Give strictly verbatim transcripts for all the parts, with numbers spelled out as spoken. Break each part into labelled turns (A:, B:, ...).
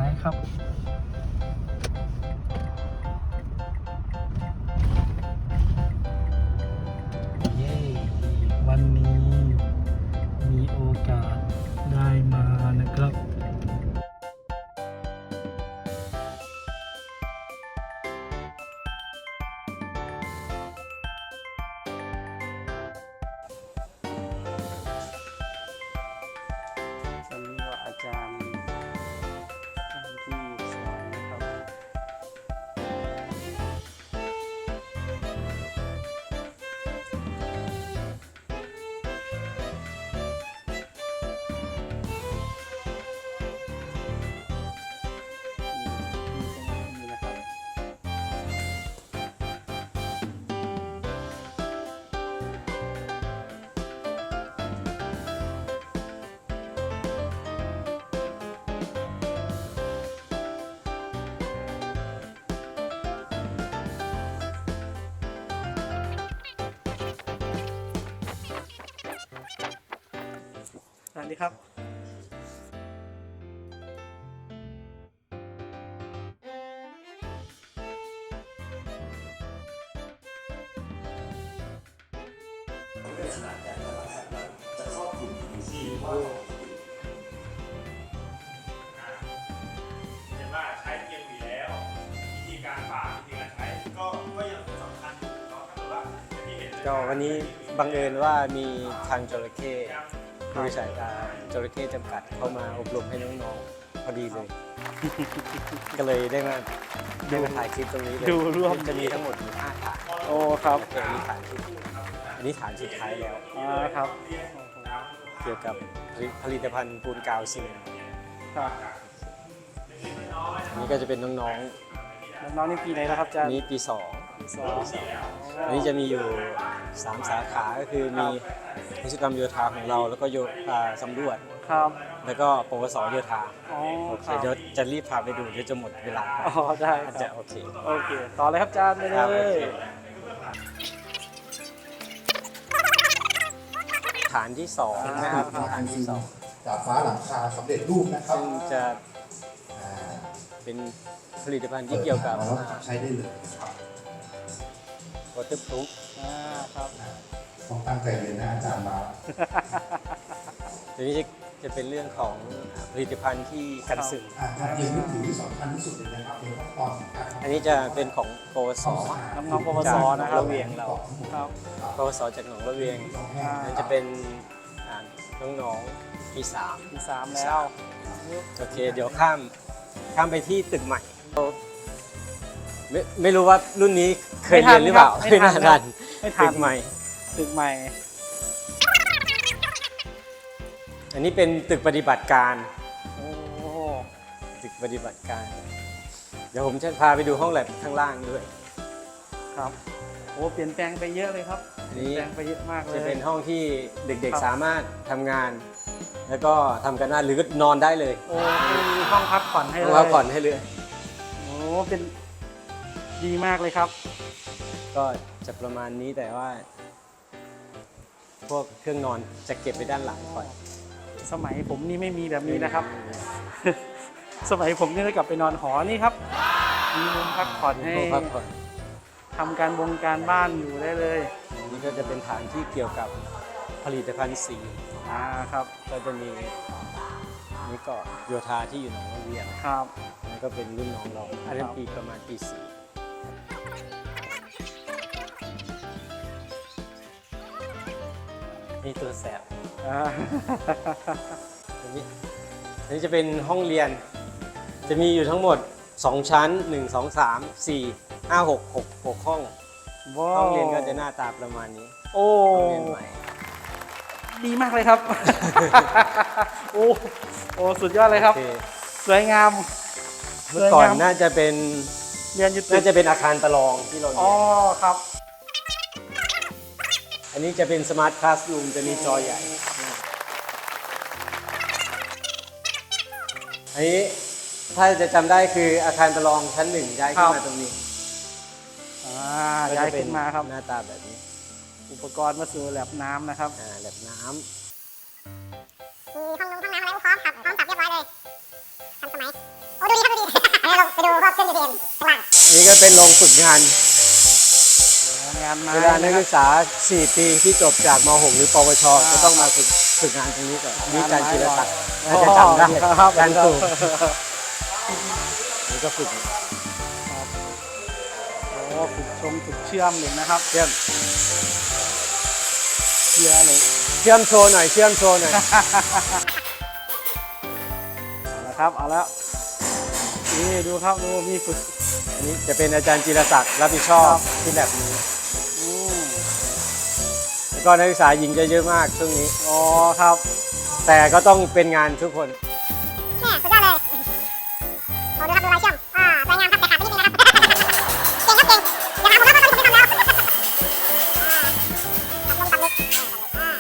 A: ายครับเย้วันนี้มีโอกาสได้มานะครับวันนี้ว่าอาจารย์อาจารย์ที่สอนนะครับนี่นะครับสวัสดีครับ
B: เห็นว่าใช้เกียร์อยู่แล้ววิธีการฝากวิธีการใช้ก็ก็ยังสำคัญอยู่เนาะถ้าเกิดว่าที่เห็น
C: ก็วันนี้บังเอิญว่ามีทางจระเข้บริษัทจระเข้จำกัดเข้ามาอบรมให้น้องๆพอดีเลย ก็เลยได้มาได้มาถ่ายคลิปตรงนี้เลย
A: ดูร่วม
C: จะมีทั้งหมดอยู่ห้าฐาน
A: โอ้ครับ
C: อันนี้ฐานที่อันนี้ฐานสุดท้ายแล้ว
A: อ่าครับ
C: เกี่ยวกับผลิตภัณฑ์ปูนกาวซีเมนต์
A: ครับ
C: อันนี้ก็จะเป็นน้อง
A: น้องๆนี่ปีไหนแล้วครับอาจาร
C: ๆ
A: ย์
C: นี้ปีสอง
A: สอง
C: อันนี้จะมีอยู่สามสาขาก็คือมีวิศวกรรมโยธาของเราแล้วก็โยธาสำรวจ
A: ครับ
C: แล้วก็ปวสโยธา
A: อ๋อ
C: โอเค
A: ครับ
C: เดี๋ยวจะรีบพาไปดูเดี๋ยวจะหมดเวลา
A: อ๋อได้
C: อาจ
A: ค
C: จะ
A: รับ
C: โอเค
A: โอเคต่อเลยครับอาจารย์ไป
C: ครับ
A: เล
C: โอเค
A: ย
C: ฐานที่สองนะครับฐานที่สอง
D: จากฟ้าหลังคาสำเร็จรูปนะครับ
C: ซึ่งจะ
D: อ่า
C: เป็นผลิตภัณฑ์ที่เกี่ยวกับ
D: ปิดมาแล้วใช้ได้เลยนะครับ
C: วอเตอร์พรูฟ
A: อ่าครับ
D: ต้องตั้งใจเรียนนะอาจารย์มา
C: ตัวนี้จะจะเป็นเรื่องของผลิตภัณฑ์ที่กันซึม
D: อ่าการเรียนรู้ถือที่สำคัญที่สุดเลยนะครับเป็นขั้นตอนของการ
C: อันนี้จะเป็นของปวส
A: น้องๆปวส
C: จากหน
A: นะ
C: อง
A: ครับ
C: ระเวียงเรา
A: ครับ
C: ปวสจากหนองระเวียง
A: อ่า
C: นั่นจะเป็นอ่าน้องๆปีสาม
A: ปีสามแล้ว
C: โอเค เดี๋ยวข้ามข้ามไปที่ตึกใหม่ไม่ไม่รู้ว่ารุ่นนี้เคยเรียนหรือเปล่า
A: ไม่ทันครับ ไม่ทัน
C: ตึกใหม่
A: ตึกใหม่
C: อันนี้เป็นตึกปฏิบัติการ
A: โอ้
C: ตึกปฏิบัติการ เดี๋ยวผมจะพาไปดูห้องแลบข้างล่างด้วย
A: ครับโอ้เปลี่ยนแปลงไปเยอะเลยครับ
C: อั
A: เป
C: น
A: ลี่ยน
C: นี้
A: แปลงไปเยอะมากเลย
C: จะเป็นห้องที่เด็ก
A: ครับ
C: ๆสามารถทำงาน แล้วก็ทำกันได้หรือก็นอนได้เลย
A: โอ้มีห้องพักผ่อนให้
C: ห้
A: เล
C: อง
A: ย
C: พักผ่อนให้เลย
A: โอ้เป็นดีมากเลยครับ
C: ก็จะประมาณนี้แต่ว่า พวกเครื่องนอนจะเก็บไปด้านหลังก่อน
A: สมัยผมนี่ไม่มีแบบนี้นะครับ สมัยผมนี่ก็กลับไปนอนหอนี่ครับ มีมุมพักผ่อนให้
C: ห้องพักผ่อน
A: ทำการบงการบ้านอยู่ได้เลย
C: อันนี้ก็จะเป็นฐานที่เกี่ยวกับผลิตภัณฑ์สี
A: อ่าครับ
C: ก็จะมีนี่ก็โยธาที่อยู่หนองระเวียง
A: ครับ
C: นั่นก็เป็นรุ่นน้องเราอันนั้
A: คน รับ
C: ปีประมาณปีสี่นี่ตัวแสบ
A: อ่า
C: อันนี้อันนี้จะเป็นห้องเรียน จะมีอยู่ทั้งหมดสองชั้นหนึ่ง สอง สาม สี่ ห้า หก หก หกห้อง
A: ว้าว
C: ห้องเรียนก็จะหน้าตาประมาณนี้
A: โอ้
C: ห้องเรียนใหม่
A: ดีมากเลยครับ โอ้โอ้สุดยอดเลยครับ
C: โอเค
A: สวยงาม
C: เมื่อก่อน
A: สวยงาม
C: น่าจะเป็น
A: เรียนอยุติ
C: น่าจะเป็นอาคารประลองที่เราเรี
A: อ๋อย
C: น
A: ครับ
C: อันนี้จะเป็นสมาร์ทคลาสรูมจะมีจอใหญ่ อันนี้ถ้าจะจำได้คืออาคารประลองชั้นหนึ่งย้ายขึ้นมาตรงนี้
A: อ่าย้ายขึ้นมาครับ
C: หน้าตาแบบนี้
A: อุปกรณ์มาสู่แลบน้ำนะครับ
C: อ่าแบบน้ำ
E: มีห้องนงห้องน้ำอะไรพร้อมครับพร้อมสับเรียบร้อยเลยทันสมัยโอ้ดูดี
C: องฝึกงาน
A: งานไม้
C: เวลานัก
A: นะครั
C: ศึ
A: บ
C: กษา สี่ ปีที่จบจากม หก หรือ ปวช
A: อ่า
C: จะต้องมาฝึกฝึกงานตรงนี้ก่อนนี่อาจารย์จิรศักดิ์
A: อ๋อ
C: น่าจะจำได้
A: ครับ
C: อาจารย์ตู่นี่ก็ฝึก
A: โอ้ฝึกชมฝึกเชื่อมเหล็กนะครับ
C: เชื่อม
A: เชื่อเหล็ก
C: เชื่อมโชว์หน่อยเชื่อมโชว์หน่อย
A: เอาละครับเอาแล้วนี่ดูครับดูมีฝึก
C: อันนี้จะเป็นอาจารย์จิรศักดิ์รับผิดชอบที่แลบนี้
A: อืม
C: แล้วก็นักศึกษาหญิงจะเยอะมากช่วงนี้
A: อ๋อครับ
C: แต่ก็ต้องเป็นงานทุกคน
E: แม่สุดยอดเลยโอ้ดูครับดูลายเชื่อมอ่าสวยงามครับแต่ขาดไปนิดนึงนะครับ เก่งครับเก่งอย่าถามผมนะเพราะตอนนี้ผมไม่ทำแล้วอ่าตัดลงตัดลึกอ่า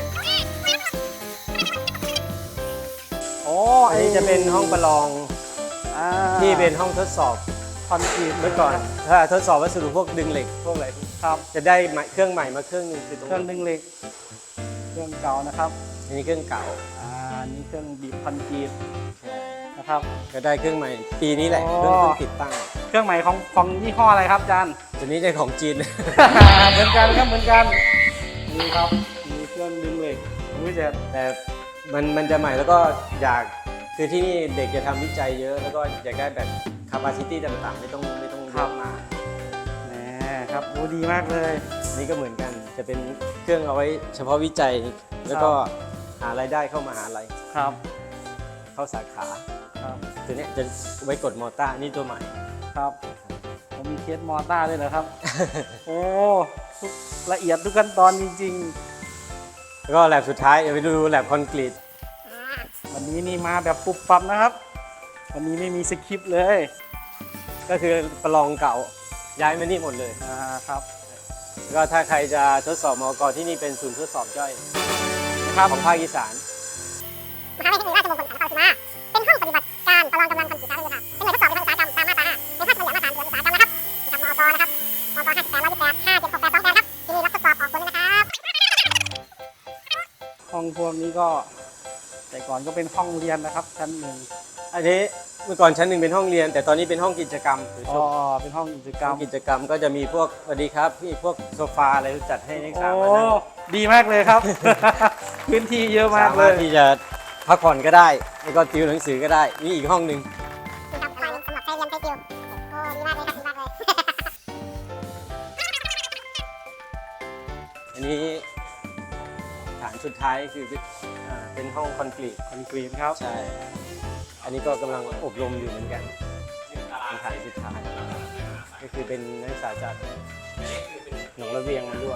A: โอ้
C: อันนี้จะเป็นห้องประลอง
A: อ่า
C: ที่เป็นห้องทดสอบ
A: คอนกรีต
C: เมื่อก่อน ถ้าทดสอบวัสดุพวกดึงเหล็กพวกอะไร
A: ครับ
C: จะได้ใหม่เครื่องใหม่มาเครื่องหนึงคือตรง
A: เครื่อง
C: นี้
A: ดึงเหล็ก เครื่องเก่านะครับ
C: อันนี้เครื่องเก่า
A: อ่าอันนี้เครื่องบีบคอนกรีตนะครับ
C: ก็ได้เครื่องใหม่ปีนี้แหละ
A: อ๋อ
C: เพิ่งเพิ่งติดตั้ง
A: เครื่องใหม่ของของยี่ห้ออะไรครับอาจารย์
C: ตัวนี้จะของจีน
A: เหมือนกันครับเหมือนกันนี่ครับมีเครื่องดึงเหล็กอุ้ยแต่
C: แต่มันมันจะใหม่แล้วก็อยากคือที่นี่เด็กจะทำวิจัยเยอะแล้วก็อยากได้แบบ capacity ต่างๆ ไม่ต้องไม่ต้องเยอะมาก
A: แหมครับโอ้ดีมากเลย
C: อันนี้ก็เหมือนกันจะเป็นเครื่องเอาไว้เฉพาะวิจัย แล้วก็หารายได้เข้ามหาลัย
A: ครับ
C: เข้าสาขา
A: ครับ
C: ตัวเนี้ยจะไว้กดมอเตอร์นี่ตัวใหม่
A: ครับผมมีเคสมอต้าด้วยเหรอครับ โอ้ทุกละเอียดทุกขั้นตอนจริง
C: แล้วก็แลบสุดท้ายเดี๋ยวไปดูแลบคอนกรีต
A: ๆ วันนี้นี่มาแบบปุบปับนะครับ วันนี้ไม่มีสคริปต์เลย
C: ก็คือประลองเก่าย้ายมานี่หมดเลย
A: อ่าครับ
C: แล้วก็ถ้าใครจะทดสอบมอกที่นี่เป็นศูนย์ทดสอบย่อย
A: นะครับ
C: ของภาคอีสาน
E: มหาวิทยาลัยเทคโนโลยีราชมงคลสันติสุมาเป็นห้องปฏิบัติการประลองกำลังคอนกรีตสาธารณะเป็นหน่วยทดสอบในทางอุตสาหกรรมตามมาตราห้าในพระราชบัญญัติมาตรฐานอุตสาหกรรมนะครับนะครับมอกนะครับมอกห้าสิบแปดร้อยยี่สิบแปดห้าเจ็ดหกแปดสองแปดครับที่นี่รับทดสอบออกผลเลยนะครับ
A: ห้องพวกนี้ก็แต่ก่อนก็เป็นห้องเรียนนะครับชั้นหนึ่ง
C: อันนี้เมื่อก่อนชั้นหนึ่งเป็นห้องเรียน แต่ตอนนี้เป็นห้องกิจกรรมหรือ
A: อ๋
C: ช่
A: อ
C: วง
A: เป็นห้องกิจกรร
C: ห้อ
A: ม
C: งกิจกรรมก็จะมีพวกสวัสดีครับพี่พวกโซฟาอะไรจัดให้นักศึกษา
A: โอ้
C: มานั่ง
A: ดีมากเลยครับ พื้นที่เยอะมาก
C: สา
A: เล
C: มารถ
A: ย
C: ที่จะพักผ่อนก็ได้แล้วก็ติวหนังสือก็ได้นี่อีกห้องหนึ่ง
E: นี่ครับอะไรสำหรับใช้เรียนใช้ติวโอ้ดีมากเลยครับดีมากเลย
C: อันนี้ฐานสุดท้ายคืออ่าเป็นห้องคอนกรีต
A: คอนกรีตครับ
C: ใช่ อันนี้ก็กำลังอบรมอยู่เหมือนกันเป็นฐานสุดท้ายก็คือเป็นนักศึกษาจากหนองระเวียงมาด้วย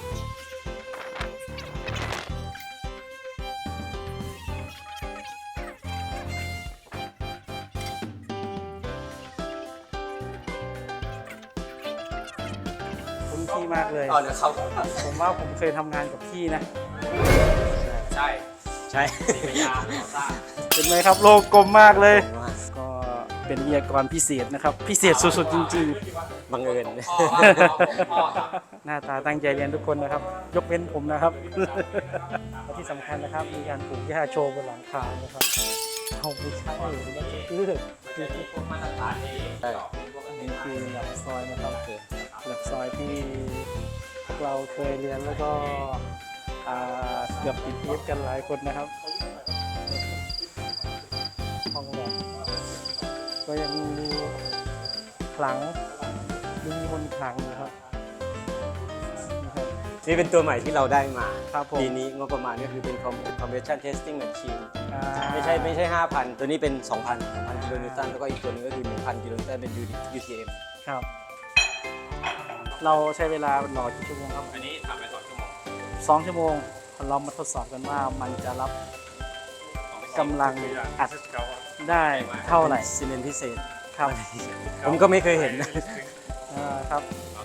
A: คุ้นที่มากเลย
C: อ๋อเดี๋ยวเขา
A: ผมว่าผมเคยทำงานกับพี่นะ
C: ใช่ ใช่
A: เป็นไหมครับโลกกลมมากเลย ก็เป็นวิทยากรพิเศษนะครับ พิเศษสุดๆจริง
C: บังเอิญ
A: ๆ หน้าตาตั้งใจเรียนทุกคนนะครับ ยกเว้นผมนะครับ และที่สำคัญนะครับ มีการปลูกหญ้าโชว์บนหลังคานะครับเอาไม่ใช่หรือว่าเลือกคือที่พวกมาตรฐานนี้นี่คือหลักซอยนะครับหลักซอยที่พวกเราเคยเรียนแล้วก็อ่าเกือบติดเทปกันหลายคนนะครับห้องแบบก็ยังมีขลังดูมีมนต์ขลังอยู่ครับนะครับ
C: นี่เป็นตัวใหม่ที่เราได้มา
A: ครับผม
C: ปีนี้งบประมาณก็คือเป็น conversion testing machine
A: อ่า
C: ไม่ใช่ไม่ใช่ ห้าพัน ตัวนี้เป็น สองพัน สองพัน กิโลนิวตันแล้วก็อีกตัวหนึงก็คือ หนึ่งพัน กิโลนิวตันเป็น ยู ที เอ็ม
A: ครับ เราใช้เวลารอกี่ชั่วโมงครับ
B: อันนี้ทำไปสองชั่วโมง
A: สองชั่วโมงเรามาทดสอบกันว่ามันจะรับกำลังอัดได้เท่าไหร่
C: ซีเมนต์พิเศษ
A: ครับ
C: ผมก็ไม่เคยเห็นนะ
A: อ่าครับ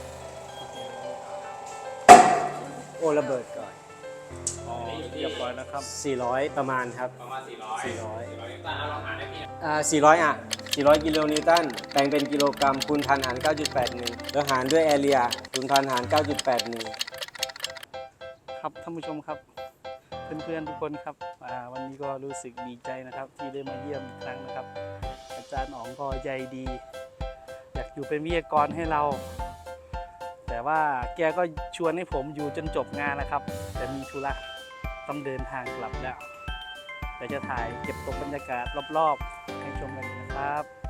C: โอ้ระเบิดก่อน
A: เรียบร้อยนะครับ
C: สี่ร้อยประมาณครับ
B: ประมาณสี่ร้อย
C: สี่ร้อย
B: สี่ร้อยนิวตันเอาลองหารได้พี่
C: อ่าสี่ร้อยอ่ะสี่ร้อยกิโลนิวตันแปลงเป็นกิโลกรัมคูณพันหาร เก้าจุดแปดหนึ่ง แล้วหารด้วยแอเรียคูณพันหาร เก้าจุดแปดหนึ่ง
A: ครับท่านผู้ชมครับ เพื่อนๆทุกคนครับอ่าวันนี้ก็รู้สึกดีใจนะครับ ที่ได้มาเยี่ยมอีกครั้งนะครับ อาจารย์อ๋องก็ใจดี อยากอยู่เป็นวิทยากรให้เรา แต่ว่าแกก็ชวนให้ผมอยู่จนจบงานนะครับ แต่มีธุระต้องเดินทางกลับแล้วเดี๋ยวจะถ่ายเก็บตกบรรยากาศรอบๆให้ชมกันนะครับ